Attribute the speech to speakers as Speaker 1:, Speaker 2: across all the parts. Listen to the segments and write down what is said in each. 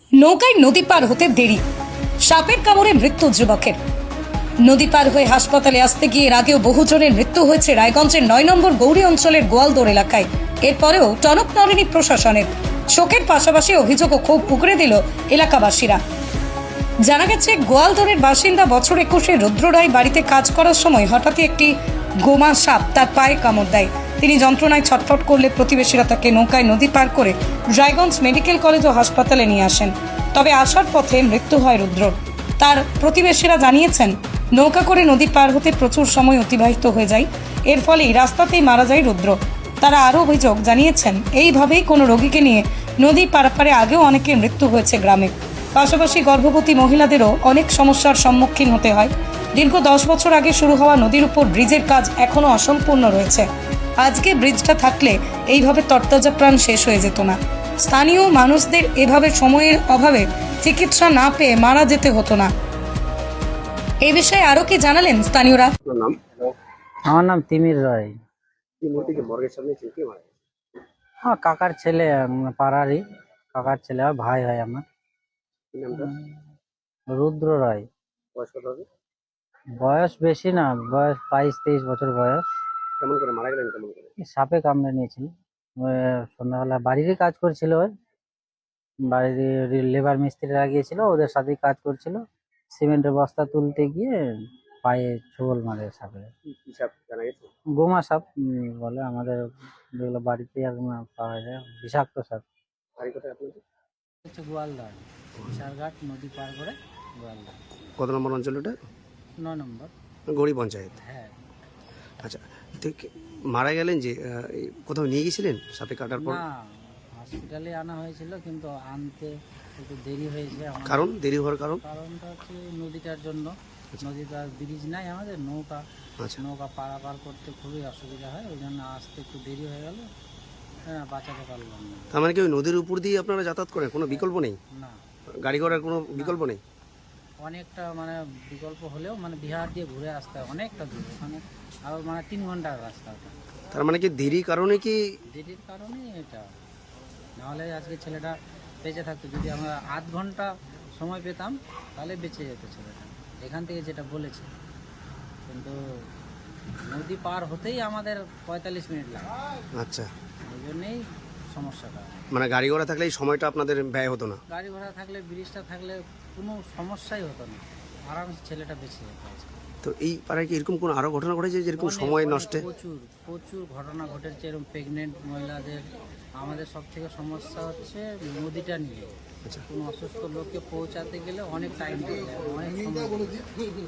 Speaker 1: নৌকায় নদী পার হতে দেরি, সাপের কামড়ে মৃত্যু যুবকের। নদী পার হয়ে হাসপাতালে আসতে গিয়ে এর আগেও বহুজনের মৃত্যু হয়েছে রায়গঞ্জের ৯ নম্বর গৌরী অঞ্চলের গোয়ালদোর এলাকায়। এরপরেও টনক নড়েনি প্রশাসনের। শোকের পাশাপাশি অভিযোগও খুব উগরে দিল এলাকাবাসীরা। জানা গেছে, গোয়ালদোরের বাসিন্দা বছর ২১ রুদ্র রায় বাড়িতে কাজ করার সময় হঠাৎই একটি গোমা সাপ তার পায়ে কামড় দেয়। তিনি যন্ত্রণায় ছটফট করলে প্রতিবেশীরা তাকে নৌকায় নদী পার করে রায়গঞ্জ মেডিকেল কলেজ ও হাসপাতালে নিয়ে আসেন। তবে আসার পথে মৃত্যু হয় রুদ্রর। তার প্রতিবেশীরা জানিয়েছেন, নৌকা করে নদী পার হতে প্রচুর সময় অতিবাহিত হয়ে যায়, এর ফলেই রাস্তাতেই মারা যায় রুদ্র। তারা আরও অভিযোগ জানিয়েছেন, এইভাবেই কোনো রোগীকে নিয়ে নদী পারাপারে আগেও অনেকের মৃত্যু হয়েছে গ্রামে। পাশাপাশি গর্ভবতী মহিলাদেরও অনেক সমস্যার সম্মুখীন হতে হয়। দীর্ঘ ১০ বছর আগে শুরু হওয়া নদীর উপর ব্রিজের কাজ এখনও অসম্পূর্ণ রয়েছে। আজকে ব্রিজটা থাকলে এইভাবে তরতাজা প্রাণ শেষ হয়ে যেত না। স্থানীয় মানুষদের এভাবে সময়ের অভাবে চিকিৎসা না পেয়ে মারা যেতে হতো না। এই বিষয়ে আরো কি জানালেন স্থানীয়রা?
Speaker 2: নাম?
Speaker 3: আমার নাম তিমির রায়।
Speaker 2: কি মূর্তি কি মর্গের সামনে ছিল, কি মারা গেছে?
Speaker 3: আমার কাকার ছেলে, পাড়ারই কাকার ছেলে, আর ভাই হয় আমার।
Speaker 2: কি নামটা?
Speaker 3: রুদ্র রায়।
Speaker 2: বয়স কত হবে?
Speaker 3: বয়স বেশি না, বয়স ২২-২৩ বছর বয়স।
Speaker 2: কেমন করে মারা গেলেন, কেমন করে?
Speaker 3: এই সাপে কামড়ে নিয়েছিল। ওই সন্ধ্যাবেলা বাড়িরই কাজ করছিল, ওই বাড়ির লেবার মিস্ত্রি লাগিয়েছিল, ওদের সাথেই কাজ করছিল। সিমেন্টের বস্তা তুলতে গিয়ে পায়ে ছোবল মারে সাপে।
Speaker 2: কি সাপ জানা গেছে?
Speaker 3: গোমা সাপ বলে আমাদের, যেগুলো বাড়িতে পাওয়া যায়, বিষাক্ত সাপ।
Speaker 2: বাড়ি কোথায় আপনাদের?
Speaker 3: হচ্ছে গোয়ালদার, বিশালঘাট নদী পার করে গোয়ালদার।
Speaker 2: কত নম্বর অঞ্চল ওটা?
Speaker 3: ৯ নম্বর।
Speaker 2: গৌরী পঞ্চায়েত।
Speaker 3: হ্যাঁ।
Speaker 2: আচ্ছা, ঠিক মারা গেলেন যে কোথাও নিয়ে গেছিলেন সাপে কাটার পর?
Speaker 3: না, হসপিটালে আনা হয়েছিল, কিন্তু আনতে একটু দেরি হয়েছে।
Speaker 2: কারণ দেরি হওয়ার কারণ?
Speaker 3: কারণটা হচ্ছে নদীটার জন্য। নদীটার ব্রিজ নাই আমাদের, নৌকা
Speaker 2: আচ্ছা,
Speaker 3: নৌকা পারাপার করতে খুবই অসুবিধা হয়, ওই জন্য আসতে একটু দেরি হয়ে গেল। হ্যাঁ, বাঁচাতে পারলাম না।
Speaker 2: তার মানে কি ওই নদীর উপর দিয়ে আপনারা যাতায়াত করেন, কোনো বিকল্প নেই?
Speaker 3: না,
Speaker 2: গাড়ি ঘোড়ার কোনো বিকল্প নেই?
Speaker 3: অনেকটা বিকল্প হলেও বিহার দিয়ে ঘুরে আসতে হয় অনেকটা দূর, ওখানে আরও ৩ ঘন্টার রাস্তা ওটা।
Speaker 2: তার মানে কি দেরি কারণে কি?
Speaker 3: দেরির কারণে এটা, নাহলে আজকে ছেলেটা বেঁচে থাকতো। যদি আমরা আধ ঘন্টা সময় পেতাম তাহলে বেঁচে যেত ছেলেটা, এখান থেকে যেটা বলেছে। কিন্তু নদী পার হতেই আমাদের ৪৫ মিনিট লাগে।
Speaker 2: আচ্ছা,
Speaker 3: এই জন্যেই সমস্যাটা।
Speaker 2: মানে গাড়ি ঘোড়া থাকলে এই সময়টা আপনাদের ব্যয় হতো না?
Speaker 3: গাড়ি ঘোড়া থাকলে, ব্রিজটা থাকলে কোনো সমস্যাই হতো না, আরামসে ছেলেটা বেঁচে যেত আজকে।
Speaker 2: তো এই পাড়ায় কি এরকম কোনো আরো ঘটনা ঘটেছে যেরকম সময় নষ্টে?
Speaker 3: প্রচুর প্রচুর ঘটনা ঘটেছে এরকম, প্রেগনেন্ট মহিলাদের। আমাদের সব থেকে সমস্যা হচ্ছে নদীটা নিয়ে।
Speaker 2: আচ্ছা,
Speaker 3: কোনো অসুস্থ লোককে পৌঁছাতে গেলে অনেক টাইম লাগে, অনেক সময় লাগে।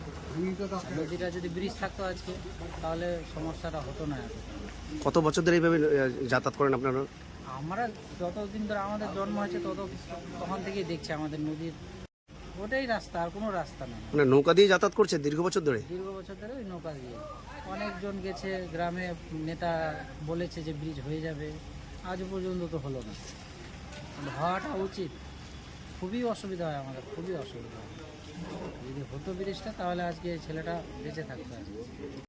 Speaker 3: নদীটা যদি ব্রিজ থাকতো আজকে, তাহলে সমস্যাটা হতো না এত।
Speaker 2: কত বছর ধরে এইভাবে যাতায়াত করেন আপনারা?
Speaker 3: আমরা যতদিন ধরে আমাদের জন্ম হয়েছে তখন থেকেই দেখছি আমাদের নদীর ওটাই রাস্তা, আর কোনো রাস্তা নেই।
Speaker 2: মানে নৌকা দিয়ে যাতায়াত করছে দীর্ঘ বছর ধরে?
Speaker 3: দীর্ঘ বছর ধরে ওই নৌকা দিয়ে অনেকজন গেছে, গ্রামে নেতা বলেছে যে ব্রিজ হয়ে যাবে, আজও পর্যন্ত তো হলো না। হওয়াটা উচিত। খুবই অসুবিধা হয় আমাদের, খুবই অসুবিধা হয়। যদি হতো ব্রিজটা, তাহলে আজকে ছেলেটা বেঁচে থাকতো আজকে।